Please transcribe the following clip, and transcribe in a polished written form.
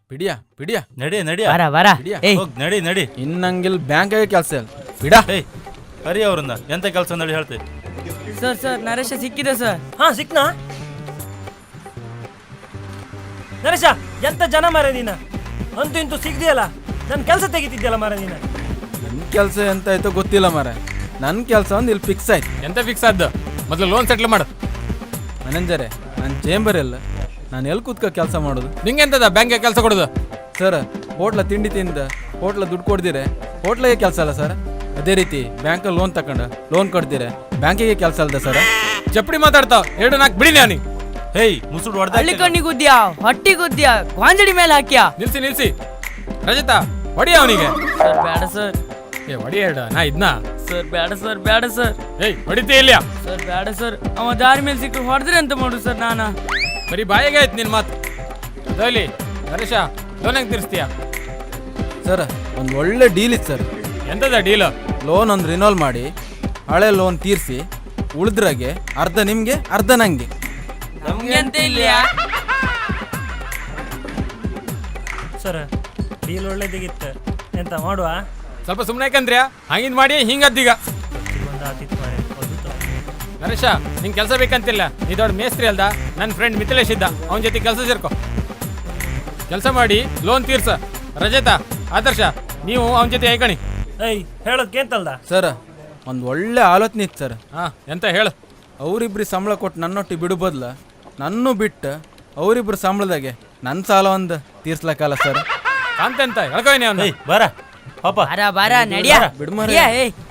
ಪಿಡಿಯಾ ಪಿಡಿಯಾ ನಡಿ ನಡಿ ಬರ ಬರ ಹಿಡಿಯ. ಏಯ್ ಹೋಗ್ ನಡಿ ನಡಿ. ಇನ್ನಂಗಿಲ್ ಬ್ಯಾಂಕಾಗೆ ಕೆಲಸ ಇಲ್ಲ ಬಿಡ. ಏಯ್ ಹರಿ ಅವ್ರನ್ನ ಎಂತ ಕೆಲಸ ನಡಿ ಹೇಳ್ತಿ. ಸರ್ ನರೇಶ ಸಿಕ್ಕಿದೆ ಸರ್. ಹಾ ಸಿಕ್ನಾ ನರೇಶ ಎಂತ ಜನ ಮಾರ ನೀನ ಅಂತೂ ಇಂತೂ ಸಿಗ್ದಿಯಲ್ಲ ನನ್ನ ಕೆಲಸ ತೆಗಿತಿದ್ಯಲ್ಲ ಮಾರ ನೀನ. ನನ್ನ ಕೆಲಸ ಎಂತ ಆಯ್ತೋ ಗೊತ್ತಿಲ್ಲ ಮಾರ. ನನ್ನ ಕೆಲಸ ಒಂದು ಇಲ್ಲಿ ಫಿಕ್ಸ್ ಆಯ್ತು. ಎಂತ ಫಿಕ್ಸ್ ಆದ್ದು? ಮೊದಲು ಲೋನ್ ಸೆಟ್ಲ್ ಮಾಡು. ಮ್ಯಾನೇಜರೇ ನನ್ನ ಚೇಂಬರ್ ಇಲ್ಲ, ನಾನು ಎಲ್ಲಿ ಕೂತ್ಕೊ ಕೆಲಸ ಮಾಡೋದು? ನಿಂಗೆ ಎಂತದ ಬ್ಯಾಂಕ್ಗೆ ಕೆಲಸ ಕೊಡೋದು? ಸರ್ ಹೋಟ್ಲ ತಿಂಡಿ ತಿಂದ ಹೋಟ್ಲ ದುಡ್ಡು ಕೊಡ್ದಿರೆ ಹೋಟ್ಲಿಗೆ ಕೆಲಸ ಅಲ್ಲ ಸರ್. ಅದೇ ರೀತಿ ಬ್ಯಾಂಕಲ್ಲಿ ಲೋನ್ ತಗೊಂಡು ಲೋನ್ ಕೊಡ್ದಿರೆ ಬ್ಯಾಂಕಿಗೆ ಕೆಲಸ ಅಲ್ದ ಸರ್. ಚಪ್ಪಡಿ ಮಾತಾಡ್ತಾವ 2-4 ಬಿಡಿ ನಾನು. ಹೇಯ್ ಮುಸುಡು ಹಳ್ಳಿ ಹೊಡೆದ ಕಣ್ಣಿಗೆ ಗುದ್ದ್ಯಾ, ಹೊಟ್ಟಿ ಗುದ್ದ್ಯಾ, ಗಾಂಜಡಿ ಮೇಲೆ ಹಾಕ್ಯಾ. ನಿಲ್ಸಿ ರಜತಾ ಹೊಡಿಯ ಅವನಿಗೆ. ಸರ್ ಬೇಡ ಸರ್. ಏ ಹೊಡಿಯ ನಾ ಇದ್ನ. ಸರ್ ಬೇಡ ಸರ್, ಬೇಡ ಸರ್. ಏಯ್ ಹೊಡಿತೇ ಇಲ್ಲ. ಸರ್ ಬೇಡ ಸರ್, ಅವ ದಾರಿ ಮೇಲೆ ಸಿಕ್ಕರು ಹೊಡೆದ್ರಿ ಅಂತ ಮಾಡು ಸರ್. ನಾನು ಬರೀ ಬಾಯಿಗೆ ಆಯ್ತು ನಿನ್ ಮಾತು. ಅದಲ್ಲಿ ನರೇಶ ಲೋನ್ ಹೆಂಗೆ ತೀರಿಸ್ತೀಯ? ಸರ್ ಒಂದು ಒಳ್ಳೆ ಡೀಲ್ ಇತ್ತು ಸರ್. ಎಂತದ ಡೀಲ್? ಲೋನ್ ಒಂದು ರಿನೋಲ್ ಮಾಡಿ ಹಳೆ ಲೋನ್ ತೀರಿಸಿ ಉಳಿದ್ರಾಗೆ ಅರ್ಧ ನಿಮಗೆ ಅರ್ಧ ನಂಗೆ. ನಮ್ಗೆ ಅಂತ ಇಲ್ಯಾ? ಸರ್ ಡೀಲ್ ಒಳ್ಳೇದಿಗಿತ್ತು, ಎಂತ ಮಾಡುವ? ಸ್ವಲ್ಪ ಸುಮ್ಮನೆ ಯಾಕಂದ್ರ್ಯಾ ಹಂಗಿದ್ ಮಾಡಿ ಹಿಂಗದ್ದೀಗ. ಒಂದು ಆತಿತ್ತು ಮಾರೆ, ಒಂದು ನರೇಶ ನಿಂಗೆ ಕೆಲಸ ಬೇಕಂತಿಲ್ಲ, ನೀ ದೊಡ್ಡ ಮೇಸ್ತ್ರಿ ಅಲ್ದ. ನನ್ನ ಫ್ರೆಂಡ್ ಮಿಥಿಲೇಶ್ ಇದ್ದ, ಅವನ ಜೊತೆ ಕೆಲಸ ಸೇರ್ಕೊ. ಕೆಲಸ ಮಾಡಿ ಲೋನ್ ತೀರ್ಸ. ರಜತಾ ಆದರ್ಶ ನೀವು ಅವನ ಜೊತೆ ಐಕಣಿ. ಏಯ್ ಹೇಳೋದ್ಕೆ ಅಂತಲ್ದ? ಸರ್ ಒಂದು ಒಳ್ಳೆ ಆಲೋಚನೆ ಇತ್ತು ಸರ್. ಹಾಂ ಎಂತ ಹೇಳು. ಅವರಿಬ್ರು ಸಂಬಳ ಕೊಟ್ಟು ನನ್ನೊಟ್ಟಿಗೆ ಬಿಡು ಬದಲ ನನ್ನೂ ಬಿಟ್ಟು ಅವರಿಬ್ರು ಸಂಬಳದಾಗೆ ನನ್ನ ಸಾಲ ಒಂದು ತೀರ್ಸ್ಲಕ್ಕಲ್ಲ ಸರ್. ಕಾಂತ ಅಂತ ಹೇಳ್ಕೊಯ್ನಿ ಅವನು. ಏಯ್ ಬಾರ ಪಾಪ ಬಾರ ಬಾರ ನಡಿಯಾ. ಬಿಡು ಮಾರ್ರೆ. ನಡಿಯಾ, ಏಯ್